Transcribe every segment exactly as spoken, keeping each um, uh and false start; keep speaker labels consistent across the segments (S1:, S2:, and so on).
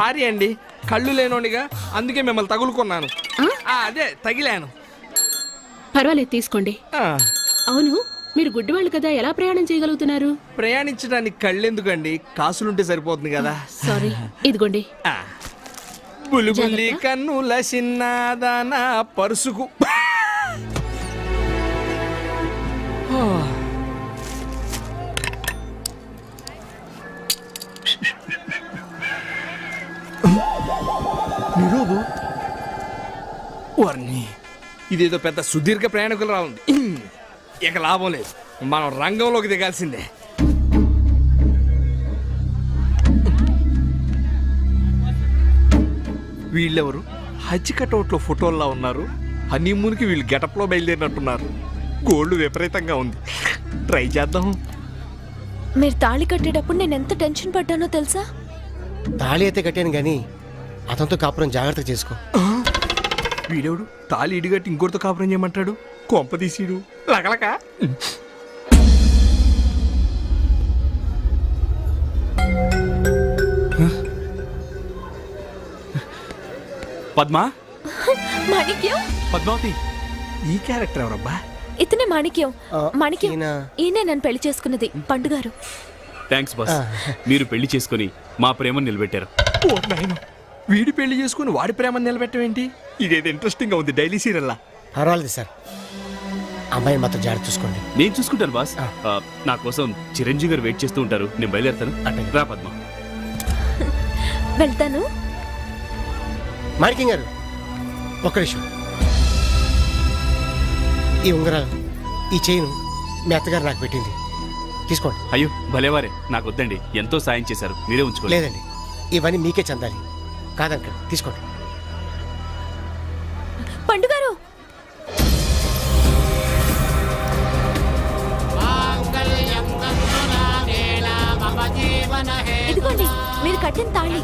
S1: Sorry అండి, కళ్ళు లేనోడిగా అందుకే మిమ్మల్ని తగులుకున్నాను. అదే తగిలాను.
S2: పర్వాలేదు తీసుకోండి. అవును, మీరు గుడ్డివాళ్ళు కదా, ఎలా ప్రయాణం చేయగలుగుతున్నారు?
S1: ప్రయాణించడానికి కళ్ళెందుకండి, కాసులుంటే సరిపోతుంది కదా.
S2: సారీ, ఇదిగోండి.
S1: బుల్బులి కన్నుల చిన్నదాన పరుసుకు వర్ణి, ఇదేదో పెద్ద సుదీర్ఘ ప్రయాణికులు రావుంది. ఇక లాభం లేదు, మనం రంగంలోకి దిగాల్సిందే. వీళ్ళెవరు హజ్ కటౌట్లో ఫోటోల్లో ఉన్నారు? హనీమూన్కి వీళ్ళు గెటప్లో బయలుదేరినట్టున్నారు. గోల్డ్ విపరీతంగా ఉంది, ట్రై చేద్దాం.
S3: మీరు తాళి కట్టేటప్పుడు నేను ఎంత టెన్షన్ పడ్డానో తెలుసా?
S4: తాళి అయితే కట్టాను గానీ అతనితో కాపురం జాగ్రత్త చేసుకో.
S1: వీడెవడు తాళి ఇడిగట్టి ఇంకోటితో కాపురం చేయమంటాడు? కొంప తీసిడు లకలక.
S5: పద్మా,
S3: మాణిక్యం,
S5: పద్మావతి,
S1: ఈ క్యారెక్టర్ ఎవరబ్బా?
S3: ఇతనే మాణిక్యం. మాణిక్యం
S4: ఈయన-
S3: ఈయనే నన్ను పెళ్లి చేసుకున్నది, పండుగారు.
S5: Thanks boss. మీరు పెళ్లి చేసుకుని మా ప్రేమను నిలబెట్టారు.
S1: ఓ నాయన, వీడి పెళ్లి చేసుకుని వాడి ప్రేమను నిలబెట్టమేంటి? ఇదేదో ఇంట్రెస్టింగ్ గా ఉంది, డైలీ సీరియల్లా.
S4: పర్వాలేదు సార్, అమ్మాయిని మాత్రం జాగ్రత్త చూసుకోండి.
S5: నేను చూసుకుంటాను బాస్. ఆ, నా కోసం చిరంజీవి గారు వెయిట్ చేస్తూ ఉంటారు, నేను బయలుదేరుతాను.
S4: అట్టే.
S5: రా పద్మ.
S3: వెళ్తాను.
S4: మాణిక్యం గారు ఒక్క నిమిషం. ఈ ఉంగరాలు, ఈ చైన్ మీ అత్తగారు నాకు పెట్టింది, తీసుకోండి.
S5: అయ్యో భలేవారే, నాకు వద్దండి, ఎంతో సాయం చేశారు, మీరే ఉంచుకోండి.
S4: లేదండి, ఇవన్నీ మీకే చెందాలి. కాదంటాడు, తీసుకోండి.
S3: పండుగారు, ఇదిగోండి మీరు కట్టిన తాళి.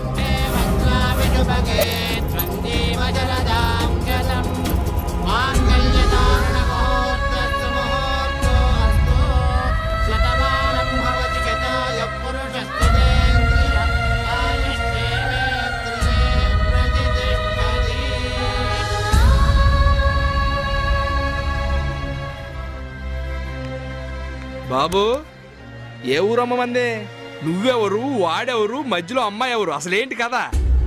S1: బాబు, ఏ ఊరమ్మ మందే? నువ్వెవరు, వాడెవరు, మధ్యలో అమ్మాయి ఎవరు? అసలేంటి కదా?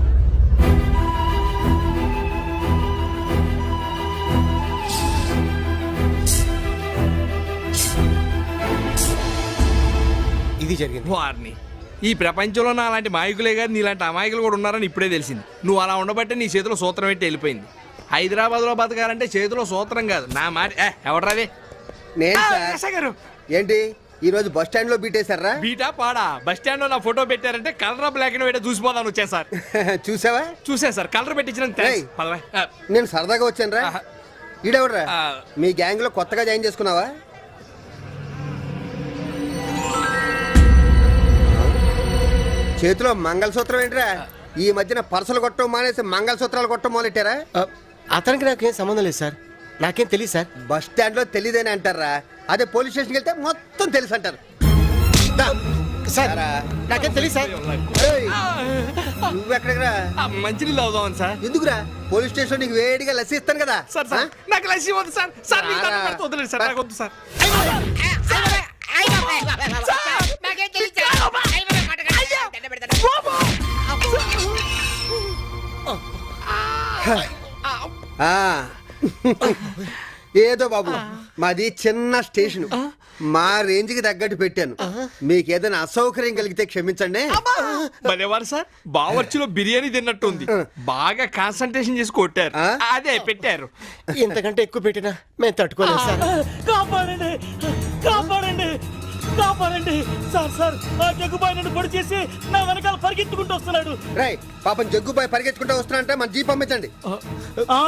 S4: ఇది జరిగింది.
S1: వారిని ఈ ప్రపంచంలో నా అలాంటి మాయకులే కాదు, నీలాంటి అమాయకులు కూడా ఉన్నారని ఇప్పుడే తెలిసింది. నువ్వు అలా ఉండబట్టే నీ చేతిలో సూత్రం పెట్టి వెళ్ళిపోయింది. హైదరాబాద్లో బతకాలంటే చేతిలో సూత్రం కాదు, నా మాట. ఎవడరాదే?
S6: నేను
S1: గారు
S6: ఏంటి ఈ రోజు బస్ స్టాండ్ లో బీటేశారా?
S1: బీటా పాడా? బస్ స్టాండ్ లో నా ఫోటో పెట్టారంటే కలర్ బ్లాక్ అండ్ వైట్ చూసిపోదాను వచ్చా సార్.
S6: చూసావా?
S1: చూసా సార్, కలర్ పెట్టించిన
S6: ఏయ్, నేను సరదాగా వచ్చాను రా.
S1: ఆహా.
S6: ఈడెవడరా?
S1: ఆ.
S6: మీ గ్యాంగ్ లో కొత్తగా జాయిన్ చేసుకున్నావా? చేతిలో మంగళసూత్రం ఏంట్రా? ఈ మధ్యన పర్సలు కొట్టడం మానేసి మంగళసూత్రాలు కొట్టడం మొదలెట్టారా?
S4: ఆ, అతనికి నాకేం సంబంధం లేదు సార్, నాకేం తెలియదు సార్.
S6: బస్ స్టాండ్ లో తెలియదని అంటారా? అదే పోలీస్ స్టేషన్కి వెళ్తే మొత్తం తెలుసు అంటారు. దా.
S4: సార్
S6: రా.
S4: నాకేం తెలియదు సార్.
S6: ఏయ్, నువ్వెక్కడికి రా?
S1: మంచినీళ్ళు అవుదామని సార్.
S6: ఎందుకురా? పోలీస్ స్టేషన్ నీకు వేడిగా లస్సీ ఇస్తాను కదా.
S1: సార్ సార్ నాకు లస్సీ వద్దు సార్. సార్ మీకు దండం పెడతా, వదిలేండి సార్, నాకు వద్దు సార్.
S6: ఆ. ఏదో బాబు, మాది చిన్న స్టేషన్, మా రేంజ్ కి తగ్గట్టు పెట్టాను. మీకు ఏదైనా అసౌకర్యం కలిగితే క్షమించండి.
S1: భలేవారు సార్, బావర్చిలో బిర్యానీ తిన్నట్టుంది, బాగా కాన్సన్ట్రేషన్ చేసి కొట్టారు.
S6: ఆ?
S1: అదే పెట్టారు.
S4: ఇంతకంటే ఎక్కువ పెట్టినా మేము తట్టుకోలేము సార్.
S7: కాపాడండి, కాపాడండి, కాపాడండి సార్. సార్ ఆ జగ్గుబాయ్ నన్ను పొడి చేసి నా వెనకాల పరిగెత్తుకుంటూ వస్తున్నాడు.
S6: రై పాపం జగ్గుబాయ్ పరిగెత్తుకుంటూ వస్తున్నా, మన జీప్ పంపించండి.
S7: ఆ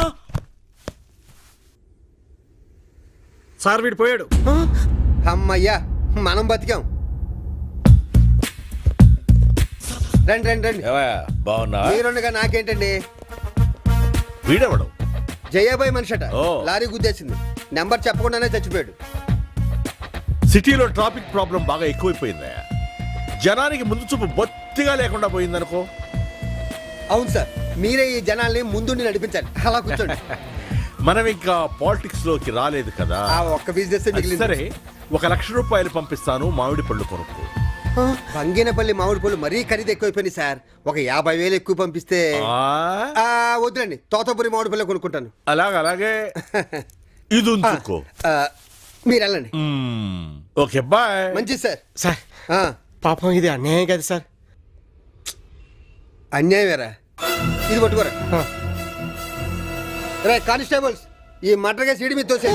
S4: సార్ వీడు పోయాడు.
S6: అమ్మయ్యా, మనం బతికాం. రండి రండి రండి.
S8: బాగున్నా?
S6: మీరుండగా నాకేంటండి?
S8: వీడెవడం?
S6: జయాబాయ్ మనిషట,
S8: ఓ.
S6: లారీ గుద్దేసింది, నెంబర్ చెప్పకుండానే చచ్చిపోయాడు.
S8: సిటీలో ట్రాఫిక్ ప్రాబ్లం బాగా ఎక్కువైపోయిందా? జనానికి ముందు చూపు బొత్తిగా లేకుండా పోయిందనుకో.
S6: అవును సార్, మీరే ఈ జనాల్ని ముందుండి నడిపించాలి. అలా కూర్చోండి.
S8: మనం ఇంకా పాలిటిక్స్ లోకి రాలేదు కదా.
S6: ఆ ఒక్క బిజినెస్
S8: సరే, ఒక లక్ష రూపాయలు పంపిస్తాను, మామిడి పళ్ళు కొనుక్కో.
S6: బంగినపల్లి మామిడి పళ్ళు మరీ ఖరీదు ఎక్కువైపోయింది సార్. ఒక యాభై వేలు ఎక్కువ పంపిస్తే
S8: ఆ,
S6: ఆ, వద్దులండి, తోతపురి మామిడి పళ్ళు కొనుక్కుంటాను.
S8: అలాగే అలాగే ఇది ఉంచుకో.
S6: ఆ, మీరు వెళ్ళండి.
S8: మ్మ్. Okay bye.
S6: మంచిది సార్.
S4: సార్
S6: ఆ,
S4: పాపం ఇది అన్యాయం కదా సార్.
S6: అన్యాయం వేరా, ఇది పట్టుకోరా.
S4: ఆ.
S6: రే కానిస్టేబుల్స్, ఈ మటర్గా సీడి మీద తోసే.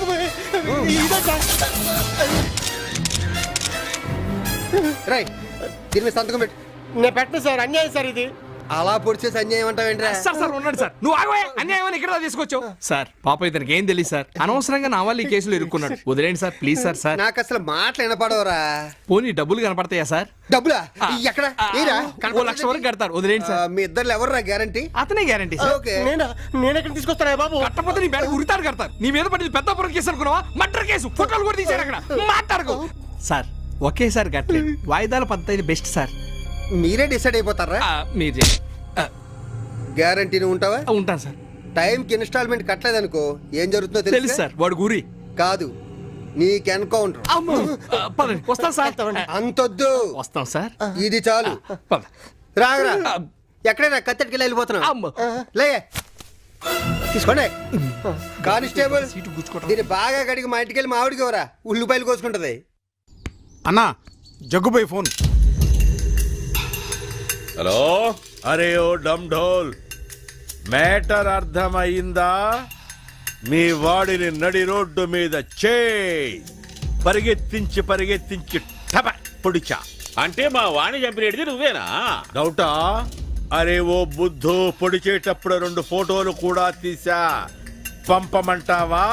S6: రై దీని మీద సంతకం పెట్టు.
S4: నేను పెట్టను సార్, అన్యాయం సార్ ఇది.
S6: అలా పొడిచేసి అన్యాయం అంటావేంట్రా?
S1: సార్ సార్ ఉన్నాడు సార్, నువ్వు ఆగవే, అన్యాయం అని ఇక్కడ తీసుకొచ్చావు. సార్ పాప ఇతనికి ఏం తెలియదు సార్, అనవసరంగా నా వాళ్ళు ఈ కేసులో ఇరుక్కున్నాడు. వదిలేండి సార్ ప్లీజ్ సార్. సార్
S6: నాకు అసలు మాటలు వినపడవరా.
S1: పోనీ డబ్బులు కనపడతాయా సార్?
S6: డబ్బులా? ఎక్కడ? ఏరా?
S1: ఓ లక్ష వరకు కడతారు, వదిలేండి
S6: ఆ,
S1: సార్.
S6: మీ ఇద్దరు ఎవర్రా గ్యారంటీ?
S1: అతనే గ్యారంటీ సార్.
S6: ఓకే.
S4: నేనా నేను ఎక్కడ తీసుకొస్తానా బాబు?
S1: కట్టపోతే నీ బ్యాగ్ ఉరితాడు కడతారు. నీ మీద పడింది పెద్ద పురం కేసు అనుకున్నావా? మర్డర్ కేసు, ఫోటోలు కూడా తీశారు అక్కడ. మాట్లాడుకో సార్. ఒకేసారి కట్టలేదు, వాయిదాల పద్ధతి బెస్ట్ సార్.
S6: మీరే డిసైడ్ అయిపోతారా?
S1: ఆ, మీరు చేయండి. ఆ,
S6: గ్యారంటీ నువ్వు ఉంటావా?
S1: ఆ, ఉంటాను సార్.
S6: టైంకి ఇన్స్టాల్మెంట్ కట్టలేదనుకో ఏం జరుగుతుందో
S1: తెలుసు
S6: తెలుసు
S1: సార్, వాడు గురి.
S6: కాదు, నీకు ఎన్కౌంటర్.
S1: అమ్మో. ఆ, పదండి వస్తాం సార్.
S6: అంతొద్దు,
S1: వస్తాం సార్.
S6: ఇది చాలు.
S1: పద.
S6: రాగరా, ఎక్కడైనా కత్తెట్టుకెళ్ళి వెళ్ళిపోతున్నావు.
S1: అమ్మో.
S6: లే తీసుకోండి. కానిస్టేబుల్,
S1: సీటు గుచ్చుకోవటం.
S6: దీన్ని బాగా కడిగి మా ఇంటికి వెళ్ళి మామిడికి ఎవరా ఉల్లిపాయలు కోసుకుంటది.
S9: అన్నా జగ్గుబాయ్ ఫోన్.
S8: హలో, అరే ఓ డమ్ ఢోల్, మ్యాటర్ అర్థమైందా? మీ వాడిని నడి రోడ్డు మీద చే పరిగెత్తించి పరిగెత్తించి టప పొడిచా.
S5: అంటే మా వాణి చంపినది నువ్వేనా?
S8: డౌటా? అరే ఓ బుద్ధు, పొడిచేటప్పుడు రెండు ఫోటోలు కూడా తీసా, పంపమంటావా?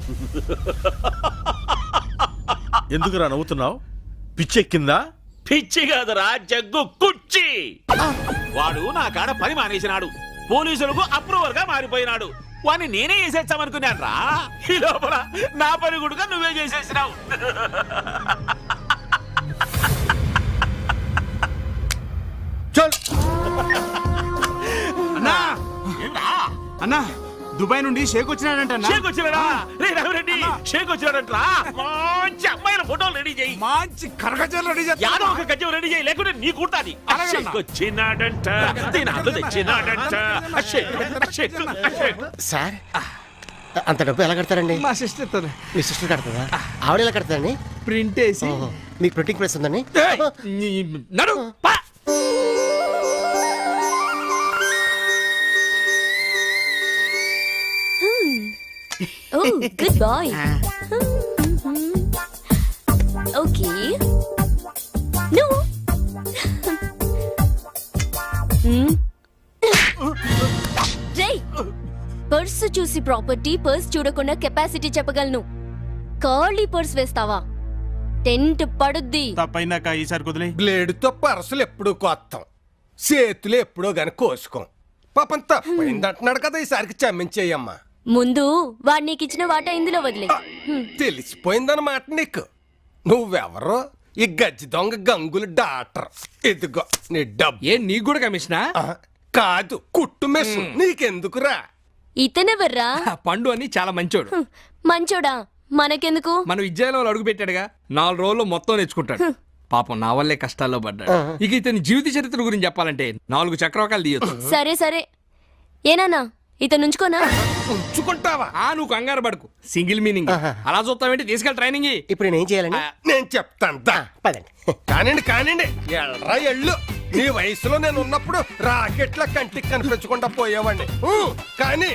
S8: ఎందుకురా నవ్వుతున్నావు? పిచ్చెక్కిందా?
S5: పిచ్చి కాదురా, జగ్గు కుర్చీ. వాడు నా కాడ పని మానేసినాడు, పోలీసులకు అప్రూవర్ గా మారిపోయినాడు. వాడిని నేనే చేసేస్తామనుకున్నాను రా. ఈ లోపల నా పని కూడా నువ్వే చేసేసినావు.
S6: చల్.
S1: అన్నా అన్నా, దుబాయ్ నుండి షేక్ వచ్చినాడంట.
S5: షేక్ వచ్చినాడా? రే రఘురెడ్డి, షేక్ వచ్చినాడంట్రా. మంచి అమ్మాయిల ఫోటోలు రెడీ చేయి.
S1: మంచి కరగజలు రెడీ
S5: యాదో ఒక గజ్జం రెడీ చేయి, లేకుంటే నీ కుర్తాది.
S1: అలాగే అన్న.
S5: షేక్ వచ్చినాడంట, దినాలు తెచ్చినాడంట. షేక్, షేక్, షేక్.
S4: సార్ అంత డబ్బు ఎలా కడతారండి?
S1: మా సిస్టర్ ఇస్తుంది.
S4: మీ సిస్టర్ కడతారా? ఆవిడ ఎలా కడతారండి?
S1: ప్రింట్ వేసి.
S4: ఓహో, మీకు ప్రింటింగ్ ప్రెస్ ఉందండి?
S1: ఏయ్, నీ- నడు పా.
S3: ఓ గుడ్ బాయ్. Okay no. రేయ్, పర్సు చూసి ప్రాపర్టీ, పర్స్ చూడకుండా కెపాసిటీ చెప్పగలను. ఖాళీ పర్స్ వేస్తావా టెంట్ పడుద్ది.
S9: తప్పైనాక ఈసారి కుదిలే.
S4: బ్లేడుతో పరసలు ఎప్పుడూ కోస్తాం, చేతులు ఎప్పుడో గాని కోసుకోం. పాపం తప్పైంది అంటున్నాడు కదా, ఈసారికి క్షమించేయమ్మా.
S3: ముందు వాడు నీకు ఇచ్చిన వాటా ఇందులో వదిలే.
S4: తెలిసిపోయిందన్నమాట నీకు. నువ్వెవరో ఈ గజ్జి దొంగ గంగులు డాక్టర్. ఇదిగో నీ డబ్బు.
S1: ఏ నీకు కూడా కమిషనా?
S4: ఆ, కాదు, కుట్టు మెస్. నీకెందుకురా?
S3: ఇతనెవర్రా?
S1: పండు అని చాలా మంచోడు.
S3: హ్మ్, మంచోడా? మనకెందుకు?
S1: మన విద్యాలయంలో అడుగు పెట్టాడుగా, నాలుగు రోజుల్లో మొత్తం నేర్చుకుంటాడు. పాపం నా వల్లే కష్టాల్లో పడ్డాడు. ఇక ఇతని జీవిత చరిత్ర గురించి చెప్పాలంటే నాలుగు చక్రవాకాలు తీయొచ్చు.
S3: సరే సరే, ఏనానా ఇతను ఉంచుకోనా?
S4: ఉంచుకుంటావా?
S1: ఆ నువ్వు కంగారు పడుకు, సింగిల్ మీనింగ్. అలా చూస్తావేంటి, తీసుకెళ్ళి ట్రైనింగ్.
S4: ఇప్పుడు నేనేం చేయాలండి? నేను చెప్తాను దా, పదండి. కానివ్వండి కానివ్వండి, ఎల్రా ఎళ్ళు. నీ వయసులో నేను ఉన్నప్పుడు రాకెట్ల కంటికి కనిపించకుండా పోయేవాడిని. ఊ, కానీ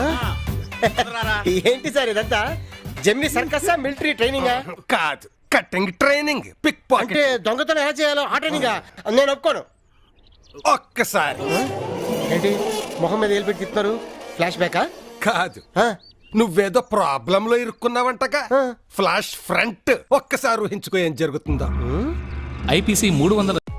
S4: ఏంటి సార్ ఇదంతా? జమ్మి సర్కసా, మిలిటరీ ట్రైనింగ్? కాదు, కట్టింగ్ ట్రైనింగ్. Pick pocket. దొంగతనం ఎలా చేయాలో ఆ ట్రైనింగ్ నేను ఒప్పుకోను. ఒక్కసారి ఏంటి మొహం మీద ఏలు పెట్టి తిప్పుతారు? ఫ్లాష్ బ్యాకా? కాదు, నువ్వేదో ప్రాబ్లం లో ఇరుక్కున్నావంటగా. Flash front. ఒక్కసారి ఊహించుకో ఏం జరుగుతుందో.
S10: ఐపీసీ మూడు వందల